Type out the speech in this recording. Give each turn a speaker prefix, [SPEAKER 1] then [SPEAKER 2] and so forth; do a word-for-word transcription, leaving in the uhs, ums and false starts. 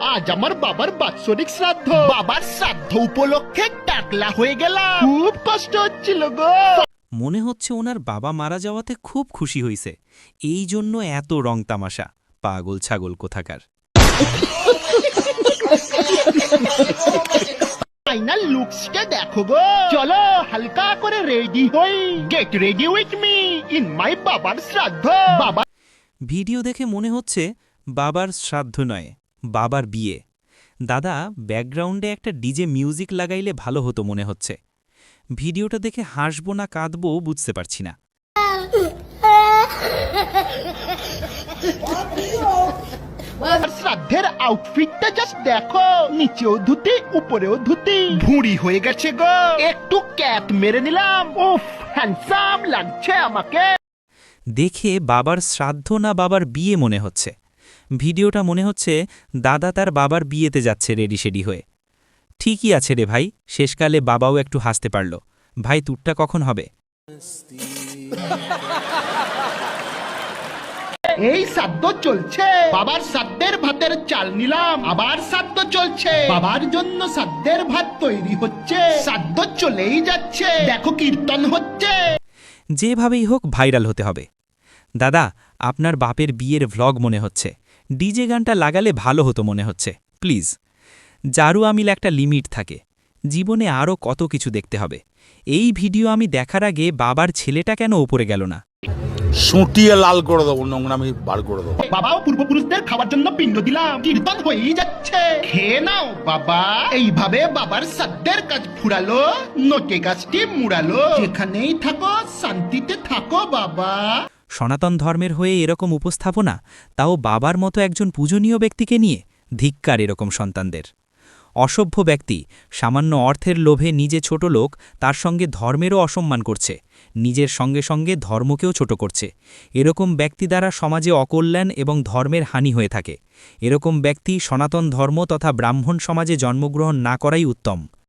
[SPEAKER 1] আজ আমার বাবার বাৎসরিক শ্রাদ্ধ। বাবার শ্রাদ্ধ উপলক্ষে টাকলা হয়ে গেলাম, খুব কষ্ট হচ্ছিল গো।
[SPEAKER 2] মনে হচ্ছে ওনার বাবা মারা যাওয়াতে খুব খুশি হইছে, এই জন্য এত রং তামাশা। পাগল ছাগল কোথাকার।
[SPEAKER 1] ফাইনাল লুকসটা দেখো গো। চলো হালকা করে রেডি হই। Get ready with me in my বাবার শ্রাদ্ধ। বাবা
[SPEAKER 2] ভিডিও দেখে মনে হচ্ছে বাবার শ্রাদ্ধ নয়, বাবার বিয়ে। দাদা, ব্যাকগ্রাউন্ডে একটা ডিজে মিউজিক লাগাইলে ভালো হতো মনে হচ্ছে। ভিডিওটা দেখে হাসবো না কাঁদবো বুঝতে পারছি না।
[SPEAKER 1] শ্রাদ্ধের আউটফিটটা জাস্ট দেখো, নিচেও ধুতি উপরেও ধুতি, ভুঁড়ি হয়ে গেছে গো। একটু ক্যাপ মেরে নিলাম, উফ হ্যান্ডসাম লাগছে আমাকে।
[SPEAKER 2] দেখে বাবার শ্রাদ্ধ না বাবার বিয়ে মনে হচ্ছে। ভিডিওটা মনে হচ্ছে দাদা তার বাবার বিয়েতে যাচ্ছে রেডি শেডি হয়ে। ঠিকই আছে রে ভাই, শেষকালে বাবাও একটু হাসতে পারল। ভাই তুরটা কখন হবে?
[SPEAKER 1] এই শ্রাদ্ধ চলছে, বাবার শ্রাদ্ধের ভাতের চাল নিলাম, আবার শ্রাদ্ধ চলছে, বাবার জন্য শ্রাদ্ধের ভাত তৈরি হচ্ছে, শ্রাদ্ধ চলেই যাচ্ছে, দেখো কীর্তন হচ্ছে।
[SPEAKER 2] যেভাবেই হোক ভাইরাল হতে হবে। দাদা, আপনার বাপের বিয়ের ভ্লগ মনে হচ্ছে, ডিজে গানটা লাগালে ভালো হতো মনে হচ্ছে, প্লিজ। জারু আমিল একটা লিমিট থাকে, জীবনে আরও কত কিছু দেখতে হবে। এই ভিডিও আমি দেখার আগে বাবার ছেলেটা কেন ওপরে গেল না?
[SPEAKER 3] সুটিয়ে লাল করে দেবো, নোংরামি বার করে দেবো।
[SPEAKER 1] বাবাও পূর্বপুরুষদের খাওয়ার জন্য পিণ্ড দিলাম, কীর্তন হয়েই যাচ্ছে, খেয়ে নাও বাবা। এইভাবে বাবার শ্রাদ্ধের কাজ ফুরালো, নোটে গাছটি মুড়ালো। যেখানেই থাকো শান্তিতে থাকো বাবা।
[SPEAKER 2] সনাতন ধর্মের হয়ে এরকম উপস্থাপনা, তাও বাবার মতো একজন পূজনীয় ব্যক্তিকে নিয়ে। ধিক্কার এরকম সন্তানদের। অসভ্য ব্যক্তি সামান্য অর্থের লোভে নিজে ছোট লোক, তার সঙ্গে ধর্মেরও অসম্মান করছে, নিজের সঙ্গে সঙ্গে ধর্মকেও ছোট করছে। এরকম ব্যক্তি দ্বারা সমাজে অকল্যাণ এবং ধর্মের হানি হয়ে থাকে। এরকম ব্যক্তি সনাতন ধর্ম তথা ব্রাহ্মণ সমাজে জন্মগ্রহণ না করাই উত্তম।